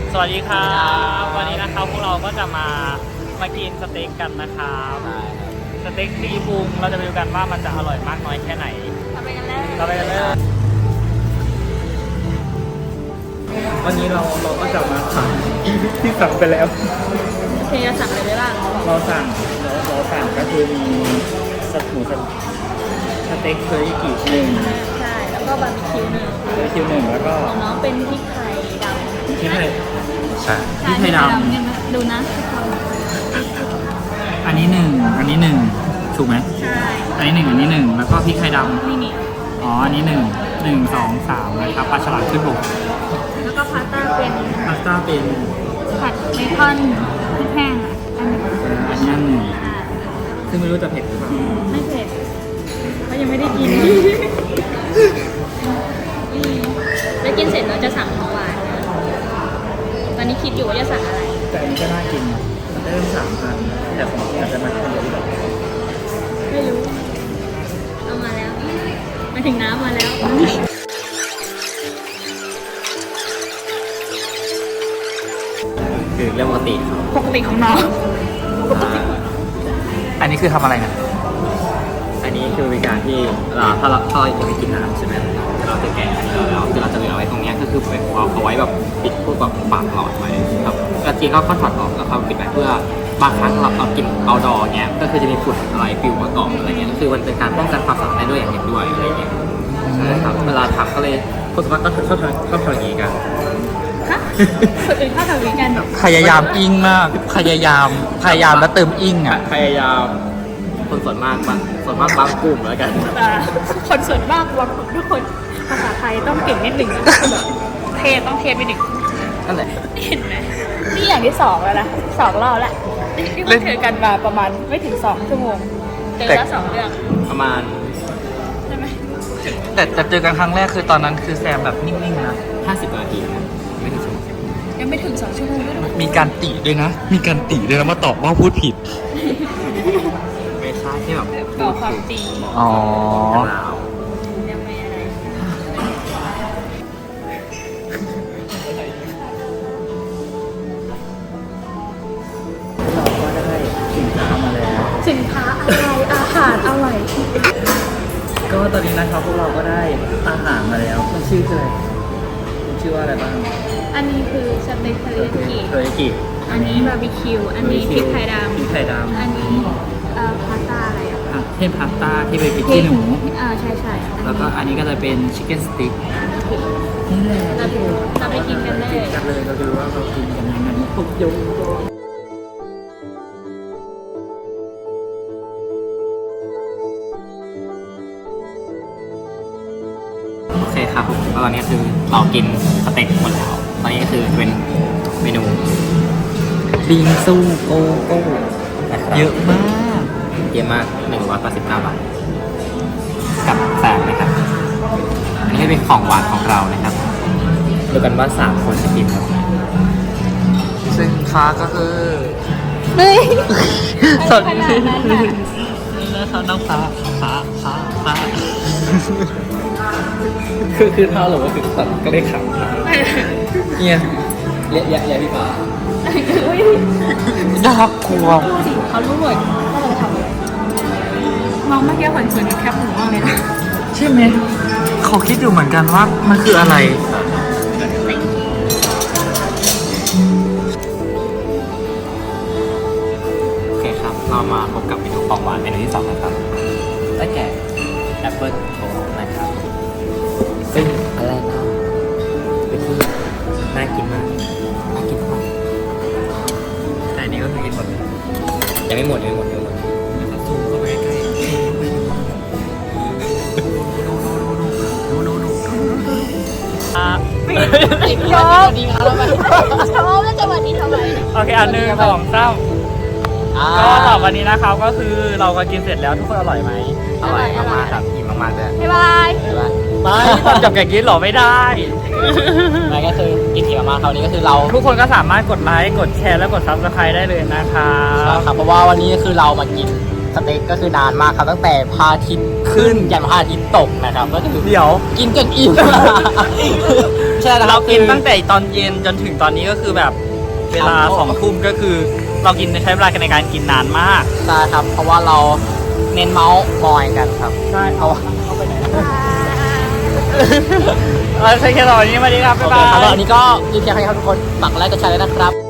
สวัสดีครับวันนี้นะครับพวกเราก็จะมากินสเต็กกันนะครับสเต็กตีพุงเราจะไปดูกันว่ามันจะอร่อยมากน้อยแค่ไหนเราไปกันเลยวันนี้เราก็จะมาสั่งที่สั่งไปแล้วโอเคจะสั่งอะไรไปบ้างเราสั่งก็คือมีสเต็กเทอริกิหนึ่งใช่แล้วก็บาร์บีคิวหนึ่งแล้วก็ของน้องเป็นพริกไทยดำพริกไทยใช่พริกไทยดำดูนะทุกคนอันนี้หนึ่งถูกไหมใช่อันนี้หนึ่งแล้วก็พริกไทยดำนี่อ๋ออันนี้หนึ่งสองสามนะครับปลาฉลามขึ้นบกแล้วก็พาสต้าเป็นผัดเบคอนพริกแห้งอันนั้นหนึ่งซึ่งไม่รู้จะเผ็ดหรือเปล่าไม่เผ็ดเพราะยังไม่ได้กินแล้วกินเสร็จเราจะสั่งของหวานตอนนี้คิดอยู่ว่าจะสั่งอะไรแต่อันนี้ก็น่ากินมันได้เริ่ม3,000แต่ของอาจจะมาคนเดียวไม่รู้เอามาแล้วมาถึงน้ำมาแล้วคือเรื่องปกติของน้องอันนี้คือทำอะไรนะอันนี้คือเป็นการที่ถ้าเราจะไม่กินน้ำใช่ไหมเราจะแกะแล้วคือเราจะเหลือไว้ตรงนี้ก็คือเอาไว้แบบปิดพวกแบบปากหลอดไว้ครับกระเจี๊ยบก็ถอดออกแล้วเขาปิดไว้เพื่อบางครั้งเรากินเอาดอเงี้ยก็คือจะมีฝุ่นอะไรปิวมาเกาะอะไรเงี้ยก็คือมันเป็นการป้องกันความสะอาดได้ด้วยอย่างหนึ่งด้วยอะไรเงี้ยใช่ครับเวลาทำก็เลยคนส่วนมากก็ชอบทำอย่างนี้กันคนอื่นชอบทำอย่างนี้กันพยายามอิงมากพยายามแล้วเติมอิงอ่ะพยายามคนส่วนมากบางกลุ่มแล้วกันคนส่วนมากบางกลุ่มทุกคนภาษาไทยต้องเก่งนิดหนึ่งต้องเทไปหนึ่งนั่นแหละเห็นไหมนี่อย่างที่2แล้วนะ2 รอบแล้วที่มาเจอกันมาประมาณไม่ถึง2 ชั่วโมงเจอแล้ว2 เรื่องประมาณใช่ไหมแต่เจอกันครั้งแรกคือตอนนั้นคือแซมแบบนิ่งๆนะ50 นาทีนะไม่ถึงยังไม่ถึง2 ชั่วโมงด้วยมีการติด้วยนะมาตอบว่าพูดผิดไม่ใช่ที่แบบบอกความจริงอ๋อยังไม่อะไรเราก็ได้สินค้ามาแล้วสินค้าอะไรอาหารอร่อยก็ตอนนี้นะครับพวกเราก็ได้อาหารมาแล้วมันชื่ออะไรชื่อว่าอะไรบ้างอันนี้คือสเต็กเทอริกิอันนี้บาร์บีคิวอันนี้พริกไทยดำอันนี้พาสต้าอะไรอ่ะเทมพาสต้าที่เป็นพริกขี้หนูใช่แล้วก็อันนี้ก็จะเป็นชิคเก้นสติ๊กนี่แหละเราไปกินกันเลยเราจะรู้ว่าเรากินกันยังไงปุ๊บโยโอเคครับตอนนี้คือเรากินสเต็กหมดแล้วตอนนี้ก็คือเป็นเมนูบิงซูโกโก้เยอะมาก189 บาทกับแสนนะครับอันนี้เป็นของหวานของเรานะครับดูกันว่า3 คนจะกินครับซึ่งฟ้าก็คือสดนี่นะครับน้องฟ้าคือเท่าหรือว่าคือสัตว์ก็ได้ขำเนี่ยเรียกพี่ฟ้าน่ากลัวเขารู้หมดว่าเราทำอะไรมองเมื่อกี้เหมือนแคปหมูมากเลยนะใช่ไหมเขาคิดอยู่เหมือนกันว่ามันคืออะไรโอเคครับเรามาพบกับเมนูของหวานเมนูที่2นะครับได้แก่แอปเปิ้ลโชว์นะครับซึ่งอะไรนะเป็นที่น่ากินมากแต่อันนี้ก็คือกินหมดเลยยังไม่หมดซูมเข้าไปใกล้ชอบแล้วจะวันนี้ทำไมโอเค1 2 3ก็ต่อวันนี้นะครับก็คือเราก็กินเสร็จแล้วทุกคนอร่อยไหมอร่อยมากครับอิ่มมากๆเลยบ๊ายบายไม่ตอนจบแกกินหรอไม่ได้ไม่ก็คือกินอิ่มมากๆคราวนี้ก็คือเราทุกคนก็สามารถกดไลค์กดแชร์และกด Subscribe ได้เลยนะครับเพราะว่าวันนี้คือเรามากินสเต็กก็คือนานมากครับตั้งแต่พระอาทิตย์ขึ้นยันพระอาทิตย์ตกนะครับก็คือเดี๋ยวกินจนอิ่มใช่แล้วคเราบกินคือตั้งแต่ตอนเย็นจนถึงตอนนี้ก็คือแบบเวลา 2 ทุ่มก็คือ เรากินใช้เวลาในการกินนานมากใช่ครับ เพราะว่าเราเน้นเมาส์มอยกันครับใช่เอาเอาไปไหนใช่แค่ตอนนี้มาดีครับโอบ๊ายเคบายครับแล้วอันนี้ก็มีเพียงแค่นี้ครับทุกคนฝากกดไลค์กดแชร์เลยนะครับ